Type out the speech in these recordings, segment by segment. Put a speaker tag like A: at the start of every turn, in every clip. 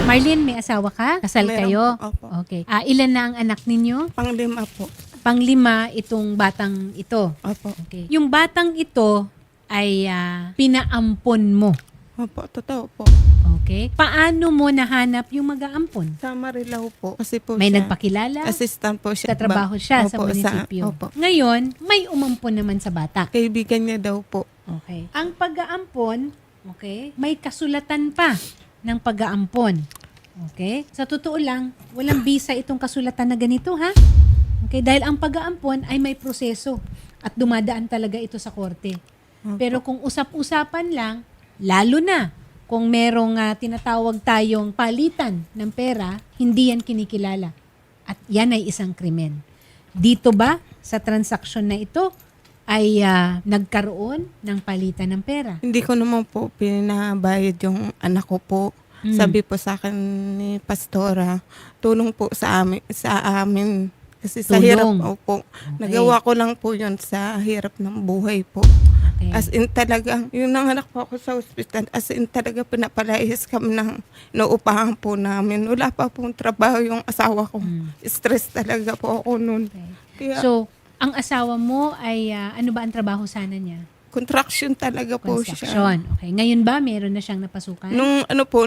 A: Marlene, may asawa ka? Kasal
B: Meron
A: kayo?
B: po, opo.
A: Okay. Ilan na ang anak ninyo?
B: Panglima po.
A: Panglima itong batang ito.
B: Opo.
A: Okay. Yung batang ito ay pinaampon mo.
B: Opo, totoo po.
A: Okay. Paano mo nahanap yung mag-aampon?
B: Sa Marilao po. Kasi po
A: May
B: siya,
A: nagpakilala?
B: assistant po siya.
A: Katrabaho siya sa
B: Opo,
A: munisipyo.
B: opo.
A: Ngayon, may umampon naman sa bata.
B: Kaibigan niya daw po.
A: Okay. Ang pag-aampon, okay, may kasulatan pa ng pag-aampon. Okay? Sa totoo lang, walang bisa itong kasulatan na ganito, ha? Okay, dahil ang pag-aampon ay may proseso at dumadaan talaga ito sa korte. Pero kung usap-usapan lang, lalo na kung merong tinatawag tayong palitan ng pera, hindi yan kinikilala. At yan ay isang krimen. Dito ba, sa transaksyon na ito, ay nagkaroon ng palitan ng pera?
B: Hindi ko naman po pinabayad yung anak ko po. Sabi po sa akin ni Pastora, tulong po sa amin. Kasi sa
A: Tulong.
B: hirap po.
A: Okay.
B: Nagawa ko lang po yun sa hirap ng buhay po.
A: Okay.
B: As in talaga, yung nanganak po ako sa ospital, as in talaga pinapalayas kami ng nauupahan po namin. Wala pa pong trabaho yung asawa ko. Stress talaga po ako noon.
A: Okay.
B: Kaya,
A: So, ang asawa mo ay, ano ba ang trabaho sana niya?
B: contraction talaga po siya.
A: Construction. Okay. Ngayon ba, meron na siyang napasukan?
B: Nung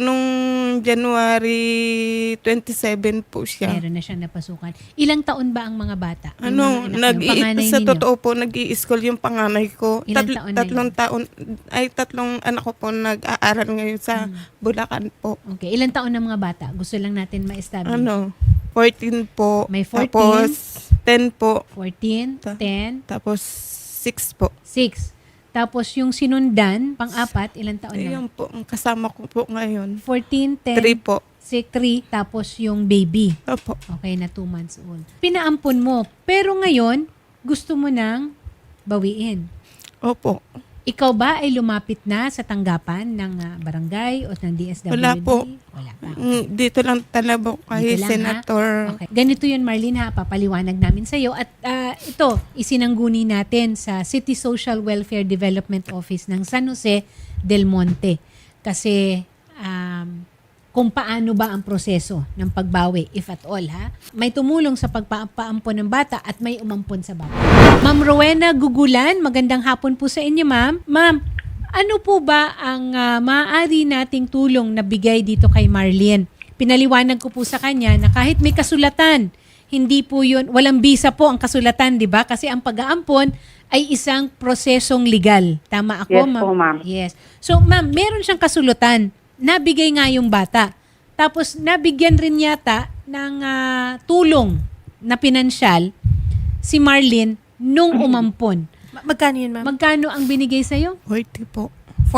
B: January 27 po siya.
A: Meron na siyang napasukan. Ilang taon ba ang mga bata? Yung mga anak niyo? Panganay
B: sa
A: ninyo?
B: totoo po, nag-i-school yung panganay ko.
A: Ilang taon na
B: Tatlong anak ko po nag-aaral ngayon sa Bulacan po.
A: Okay. Ilang taon ng mga bata? Gusto lang natin ma-establish.
B: 14 po.
A: May 14.
B: Tapos 10 po.
A: 14, 10,
B: Tapos 6 po.
A: 6. Tapos yung sinundan, pang-apat, ilang taon na?
B: Ayan po, ang kasama ko po ngayon.
A: 14, 10,
B: 3 po.
A: 6, 3, tapos yung baby.
B: Opo.
A: Okay, na 2 months old. Pinaampon mo. Pero ngayon, gusto mo nang bawiin.
B: Opo.
A: Ikaw ba ay lumapit na sa tanggapan ng barangay o ng DSWD?
B: Wala po.
A: Wala pa.
B: Dito lang talaga kay
A: Dito lang,
B: Senator.
A: ha? Okay. Ganito yun, Marlene, ha? Papaliwanag namin sa iyo. At ito, isinangguni natin sa City Social Welfare Development Office ng San Jose del Monte. Kasi kung paano ba ang proseso ng pagbawi, if at all, ha? May tumulong sa pagpaampon ng bata at may umampon sa bata. Ma'am Rowena Gugulan, magandang hapon po sa inyo, ma'am. Ma'am, ano po ba ang maaari nating tulong na bigay dito kay Marlene? Pinaliwanag ko po sa kanya na kahit may kasulatan, hindi po yun, walang bisa po ang kasulatan, di ba? Kasi ang pag-aampon ay isang prosesong legal. Tama ako,
C: Yes
A: ma'am?
C: po, ma'am.
A: Yes. So, ma'am, meron siyang kasulatan. Nabigay nga yung bata. Tapos, nabigyan rin yata ng tulong na pinansyal si Marlene nung umampon.
D: Magkano yun, ma'am?
A: Magkano ang binigay sa'yo?
B: 40 po.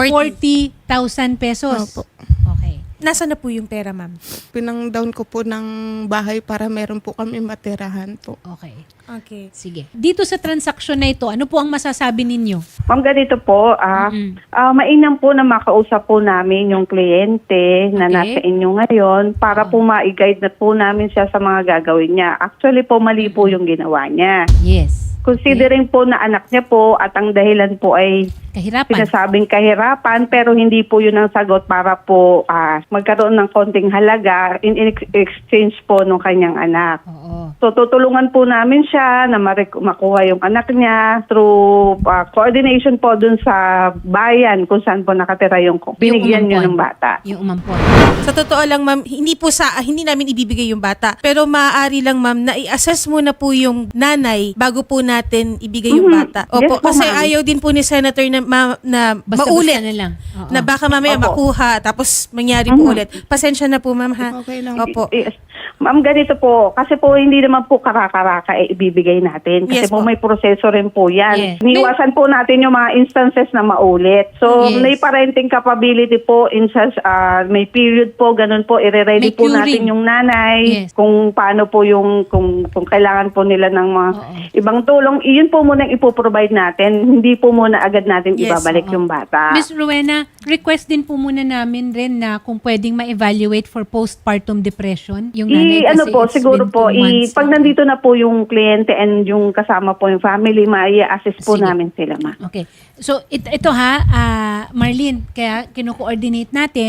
A: 40,000 pesos.
B: Opo.
A: Okay.
D: Nasaan na po yung pera, ma'am?
B: Pinang-down ko po ng bahay para meron po kami matirahan po.
A: Okay.
D: Okay.
A: Sige. Dito sa transaksyon na ito, ano po ang masasabi ninyo?
C: Ma'am, ganito po, mainam po na makausap po namin yung kliyente na
A: Okay.
C: nasa inyo ngayon para po ma-guide na po namin siya sa mga gagawin niya. Actually po, mali po yung ginawa niya.
A: Yes.
C: Considering po na anak niya po at ang dahilan po ay
A: Kahirapan.
C: sinasabing kahirapan pero hindi po yun ang sagot para po magkaroon ng konting halaga in exchange po ng kanyang anak.
A: Oo.
C: So tutulungan po namin siya na makuha yung anak niya through coordination po dun sa bayan kung saan po nakatira yung binigyan niyo ng bata.
A: Yung umampon.
D: Sa totoo lang, ma'am, hindi namin ibibigay yung bata. Pero maaari lang, ma'am, na i-assess muna po yung nanay bago po natin ibigay yung bata.
C: Yes
D: Opo,
C: po,
D: kasi
C: ma'am.
D: ayaw din po ni Senator na
A: Basta-basta
D: maulit.
A: na lang. Oo.
D: Na baka mamaya
C: Opo.
D: makuha tapos mangyari po ulit. Pasensya na po, ma'am, ha?
B: Okay lang.
D: Opo.
C: Yes. Ma'am, ganito po, kasi po hindi naman po karaka-raka ibibigay natin. Kasi
D: Yes
C: po
D: po.
C: may proseso rin po yan.
A: Yes.
C: Niwasan po natin yung mga instances na maulit. So,
A: Yes.
C: may parenting capability po, may period po, ganun po,
A: May
C: i-ready po
A: curing.
C: natin yung nanay,
A: Yes.
C: kung paano po yung, kung kailangan po nila ng mga ibang tulong, iyon po muna ipoprovide natin. Hindi po muna agad natin
D: Yes.
C: ibabalik yung bata.
A: Miss Rowena, request din po muna namin rin na kung pwedeng ma-evaluate for postpartum depression yung nanay
C: Ano
A: kasi
C: po,
A: it's
C: siguro
A: been 2
C: po,
A: months.
C: pag nandito na po yung kliyente and yung kasama po yung family, ma-assist po
A: Sige.
C: namin sila, ma.
A: Okay. So, ito ha, Marlene, kaya kino-coordinate natin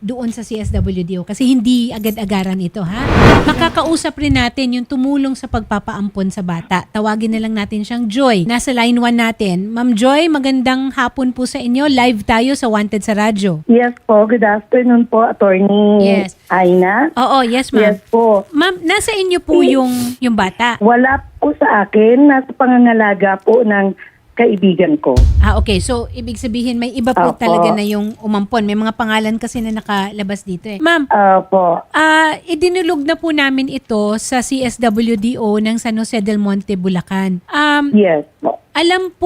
A: doon sa CSWDO kasi hindi agad-agaran ito, ha? Makakausap rin natin yung tumulong sa pagpapaampon sa bata. Tawagin na lang natin siyang Joy. Nasa line 1 natin. Ma'am Joy, magandang hapon po sa inyo. Live tayo sa Wanted sa Radyo.
E: Yes po, good afternoon po, Attorney
A: Yes.
E: Aina.
A: Oo, yes ma'am.
E: Yes po.
A: Ma'am, nasa inyo po yung bata.
E: Wala po sa akin, nasa pangangalaga po ng kaibigan ko.
A: Okay. So, ibig sabihin, may iba po
E: Opo.
A: talaga na yung umampon. May mga pangalan kasi na nakalabas dito eh. Ma'am,
E: Po.
A: idinulog na po namin ito sa CSWDO ng San Jose del Monte, Bulacan.
E: Yes po.
A: Alam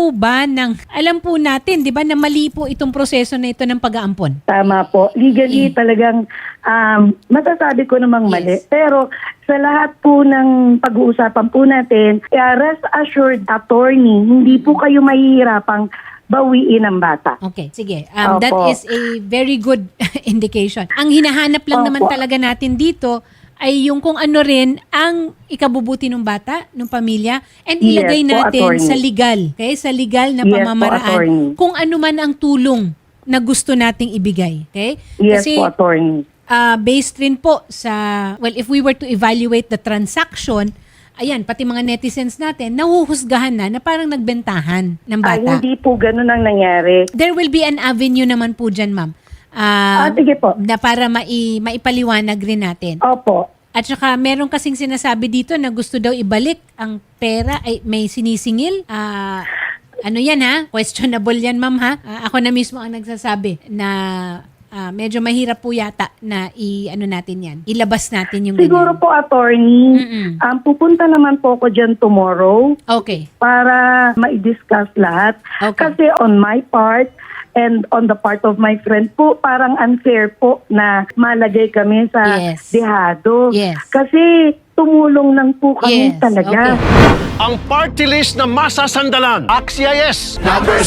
A: po natin, 'di ba, na mali po itong proseso na ito ng pag-aampon.
E: Tama po. Legally talagang masasabi ko namang mali.
A: Yes.
E: Pero sa lahat po ng pag-uusapan po natin, rest assured, Attorney, hindi po kayo mahihirapang bawiin ang bata.
A: Okay, sige.
E: Opo.
A: That is a very good indication. Ang hinahanap lang naman
E: Opo.
A: talaga natin dito ay yung kung ano rin ang ikabubuti ng bata, ng pamilya, and
E: Yes
A: ilagay
E: po,
A: natin
E: attorney.
A: sa legal. Okay? Sa legal na
E: Yes po,
A: pamamaraan.
E: attorney.
A: Kung ano man ang tulong na gusto nating ibigay. Okay?
E: Yes
A: Kasi
E: po, Attorney.
A: based rin po sa, well, if we were to evaluate the transaction, ayan, pati mga netizens natin, nahuhusgahan na parang nagbentahan ng
E: Ay,
A: bata.
E: hindi po ganun ang nangyari.
A: There will be an avenue naman po dyan, ma'am.
E: Sige po.
A: Na para maipaliwanag rin natin.
E: Opo.
A: At saka meron kasing sinasabi dito na gusto daw ibalik ang pera, ay may sinisingil. Ano yan ha? Questionable yan, ma'am ha? Ako na mismo ang nagsasabi na medyo mahirap po yata na natin yan. Ilabas natin yung
E: Siguro
A: ganyan.
E: po, Attorney,
A: Mm-mm.
E: pupunta naman po ako dyan tomorrow
A: Okay.
E: para ma-discuss lahat.
A: Okay.
E: Kasi on my part and on the part of my friend po, parang unfair po na malagay kami sa
A: Yes.
E: dehado.
A: Yes.
E: Kasi tumulong lang po kami
A: Yes.
E: talaga.
A: Okay.
F: Ang party list na masasandalan. Axia yes.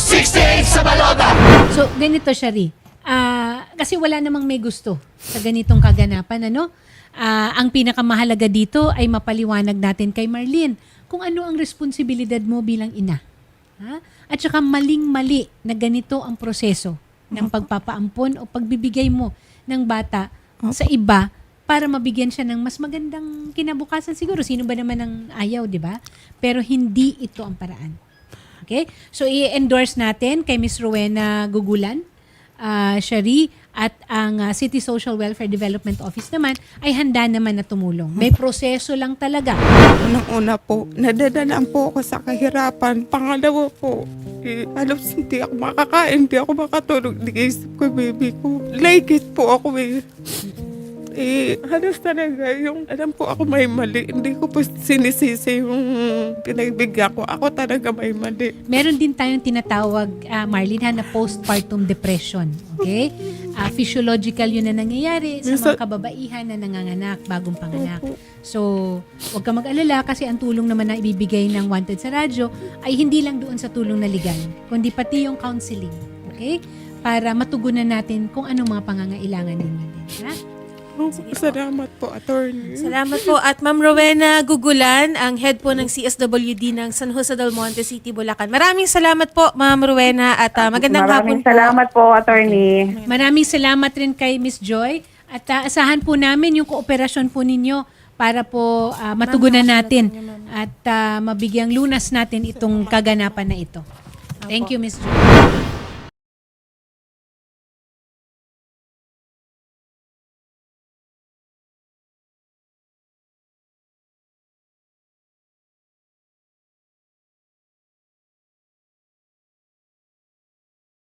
A: So, ganito, Shari. Kasi wala namang may gusto sa ganitong kaganapan, ano? Ang pinakamahalaga dito ay mapaliwanag natin kay Marlene kung ano ang responsibilidad mo bilang ina. Ha? At saka maling-mali na ganito ang proseso ng pagpapaampon o pagbibigay mo ng bata sa iba para mabigyan siya ng mas magandang kinabukasan siguro. Sino ba naman ang ayaw, di ba? Pero hindi ito ang paraan. Okay? So, i-endorse natin kay Miss Rowena Gugulan, Shari, at ang City Social Welfare Development Office naman ay handa naman na tumulong. May proseso lang talaga.
B: Unang-una po, nadadalaan po ako sa kahirapan. Pangalawa po, halos hindi ako makakain, hindi ako makatulog. Nag-iisip ko, baby ko. Like it po ako halos talaga yung alam po ako may mali. Hindi ko po sinisisi yung pinagbigyan ko. Ako talaga may mali.
A: Meron din tayong tinatawag, Marlene, na postpartum depression. Okay? Physiological yun na nangyayari sa mga kababaihan na nanganganak, bagong panganak. So, huwag ka mag-alala kasi ang tulong naman na ibibigay ng Wanted sa Radyo ay hindi lang doon sa tulong na legal, kundi pati yung counseling. Okay? Para matugunan natin kung anong mga pangangailangan ninyo din. Ha?
B: Salamat po, attorney.
D: Salamat po. At Ma'am Rowena Gugulan, ang head po ng CSWD ng San Jose del Monte City, Bulacan. Maraming salamat po, Ma'am Rowena, at magandang hapon
C: Maraming
D: po.
C: salamat po, attorney.
A: Maraming salamat rin kay Miss Joy at asahan po namin yung kooperasyon po ninyo para po matugunan natin at mabigyang lunas natin itong kaganapan na ito. Thank you, Miss Joy.